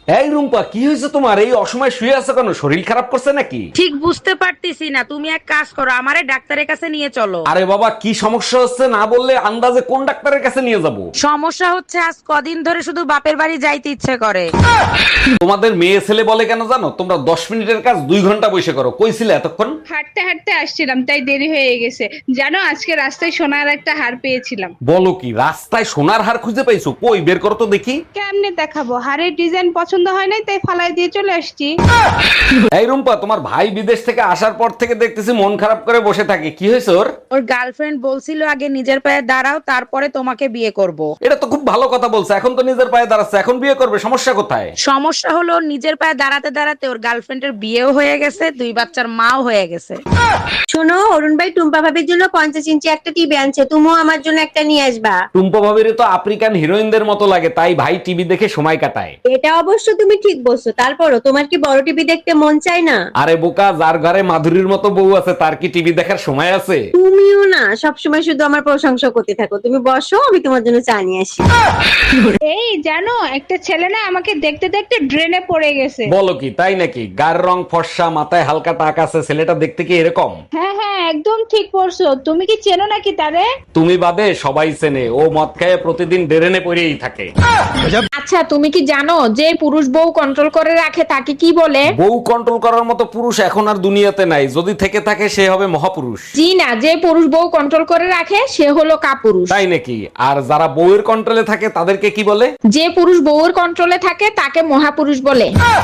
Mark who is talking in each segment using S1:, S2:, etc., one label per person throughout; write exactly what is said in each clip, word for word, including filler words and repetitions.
S1: এই রুম্পা, কি হয়েছে তোমার? এই অসময় শুয়ে আছো কেন? শরীর খারাপ করছে নাকি?
S2: ঠিক বুঝতে পারতেছি না। তুমি এক কাজ করো, আমারে ডাক্তারের কাছে নিয়ে চলো।
S1: আরে বাবা, কি সমস্যা হচ্ছে না বললে আন্দাজে কোন ডাক্তারের কাছে নিয়ে যাব?
S2: সমস্যা হচ্ছে আজ কদিন ধরে শুধু বাপের বাড়ি যাইতে ইচ্ছে করে।
S1: তোমাদের মেয়ে ছেলে বলে কেন জানো? তোমরা দশ মিনিটের কাজ দুই ঘন্টা বসে করো। কইছিলে এতক্ষণ?
S3: হাঁটতে হাঁটতে আসছিলাম, তাই দেরি হয়ে গেছে। জানো, আজকে রাস্তায় সোনার একটা হার পেয়েছিলাম।
S1: বলো কি, রাস্তায় সোনার হার খুঁজে পাইছো? কই বের করো তো দেখি।
S3: কেমনে দেখাবো? হারের ডিজাইন পছন্দ হয় নাই, তাই ফালাই দিয়ে চলে আসছি।
S1: এই রুম্পা, তোমার ভাই বিদেশ থেকে আসার পর থেকে দেখতেছি মন খারাপ করে বসে থাকে। কি হয়েছে ওর?
S2: ওর গার্লফ্রেন্ড বলছিল আগে নিজের পায়ে দাঁড়াও, তারপরে তোমাকে বিয়ে করব।
S1: এটা তো খুব ভালো কথা বলছে। এখন তো নিজের পায়ে দাঁড়াচ্ছে, এখন বিয়ে করবে, সমস্যা কোথায়?
S2: সমস্যা হলো ওর নিজের পায়ে দাঁড়াতে দাঁড়াতে ওর গার্লফ্রেন্ডের বিয়েও হয়ে গেছে, দুই বাচ্চার মাও হয়ে গেছে।
S4: শোনো, অরুণ ভাই টুম্পা ভাবির জন্য পঞ্চাশ ইঞ্চি একটা টিভি আনছে, তুমিও আমার জন্য একটা নিয়ে আসবা।
S1: টুম্পা ভাবির তো আফ্রিকান হিরোইনদের মতো লাগে, তাই ভাই টিভি দেখে সময় কাটায়।
S4: এটা অবশ্য তুমি ঠিক বলছো, তারপরও তোমার কি বড় টিভি দেখতে মন চায় না?
S1: আরে বোকা, যার ঘরে মাধুরীর মতো বউ আছে তার কি টিভি দেখার সময় আছে?
S4: তুমিও না সবসময় শুধু আমার প্রশংসা করতে থাকো। তুমি বসো, আমি তোমার জন্য চা নিয়ে আসি।
S3: এই জানো, একটা ছেলে না আমাকে দেখতে দেখতে ড্রেনে পড়ে গেছে।
S1: বলো কি, তাই নাকি? গায়ের রং ফর্সা, মাথায় হালকা টাক আছে, ছেলেটা দেখতে কি এরকম?
S3: হ্যাঁ হ্যাঁ, একদম ঠিক পড়ছো। তুমি কি চেনো নাকি তারে?
S1: তুমি বাদে সবাই চেনে। ও মদ খায় প্রতিদিন ডেরেনে পড়েই থাকে।
S5: আচ্ছা, তুমি কি জানো যে পুরুষ বউ কন্ট্রোল করে রাখে তাকে কি বলে?
S1: বউ কন্ট্রোল করার মতো পুরুষ এখন আর দুনিয়াতে নাই। যদি থেকে থাকে সে হবে মহাপুরুষ।
S5: জি না, যে পুরুষ বউ কন্ট্রোল করে রাখে সে হলো কাপুরুষ।
S1: তাই নাকি? আর যারা বউয়ের কন্ট্রোলে থাকে তাদেরকে কি বলে?
S5: যে পুরুষ বউর কন্ট্রোলে থাকে তাকে মহাপুরুষ বলে।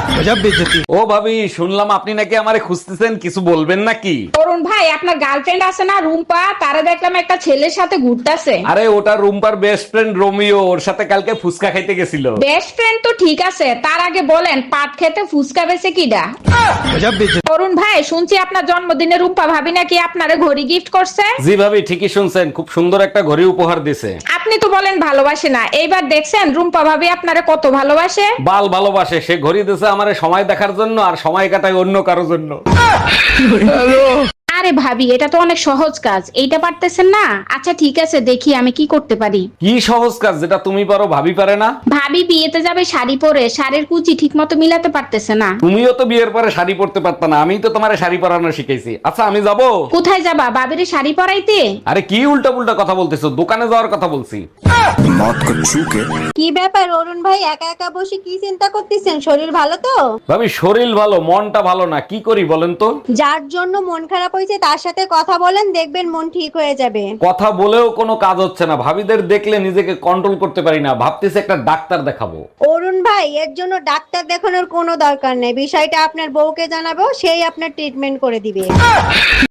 S1: ও ভাবি, শুনলাম আপনি নাকি আমারে খুঁজতেছেন, কিছু বলবেন নাকি?
S5: অরুণ ভাই, আপনার গার্লফ্রেন্ড আছে না রুম্পা, তারা দেখলাম একটা ছেলের সাথে ঘুরতেছে।
S1: আরে ওটা রুম্পার বেস্ট ফ্রেন্ড রোমিও, ওর সাথে কালকে ফুচকা খাইতে গেছিল।
S5: বেস্ট ফ্রেন্ড তো ঠিক আছে, তার আগে বলেন পাট খেতে ফুসকা বেছে কিডা? অরুণ ভাই, শুনছি আপনার জন্মদিনে রুম্পা ভাবি নাকি আপনারে ঘড়ি গিফট করছে।
S1: জি ভাবি, ঠিকই শুনছেন, খুব সুন্দর একটা ঘড়ি উপহার দিছে।
S5: আপনি তো বলেন ভালোবাসে না, এইবার দেখছেন রুম্পা ভাবি আপনারে কত ভালোবাসে।
S1: বাল ভালোবাসে। সে ঘড়ি দিছে আমারে সময় দেখার জন্য, আর সময় কাটায় অন্য কারোর জন্য।
S5: আরে ভাবি, এটা তো অনেক সহজ কাজ, এইটা পারতেছেন না? আচ্ছা ঠিক আছে, দেখি আমি কি করতে পারি।
S1: কি সহজ কাজ যেটা তুমি পারো ভাবি পারে না?
S5: ভাবি বিয়েতে যাবে শাড়ি পরে, শাড়ির কুচি ঠিক মতো মিলাতে পারতেছে না।
S1: তুমিও তো বিয়ের পরে শাড়ি পরতে পারতা না? আমি তো তোমারে শাড়ি পরানো শিখাইছি। আচ্ছা আমি যাব।
S5: কোথায় যাবা? ভাবিরে শাড়ি পরাইতে?
S1: আরে কি উল্টা পুল্টা কথা বলতেছো? দোকানে যাওয়ার কথা বলছি।
S4: কি ব্যাপার অরুণ ভাই, একা একা বসে কি চিন্তা করতেছেন? শরীর ভালো তো?
S1: ভাবি, শরীর ভালো, মনটা ভালো না। কি করি বলেন তো?
S4: যার জন্য মন খারাপ হয়েছে তার সাথে কথা বলেন, দেখবেন মন ঠিক হয়ে যাবে।
S1: কথা বলেও কোনো কাজ হচ্ছে না। ভাবিদের দেখলে নিজেকে কন্ট্রোল করতে পারি না। ভাবতেছি একটা ডাক্তার দেখাবো।
S4: অরুণ ভাই, এর জন্য ডাক্তার দেখানোর কোনো দরকার নেই। বিষয়টা আপনার বউকে জানাবো, সেই আপনার ট্রিটমেন্ট করে দিবে।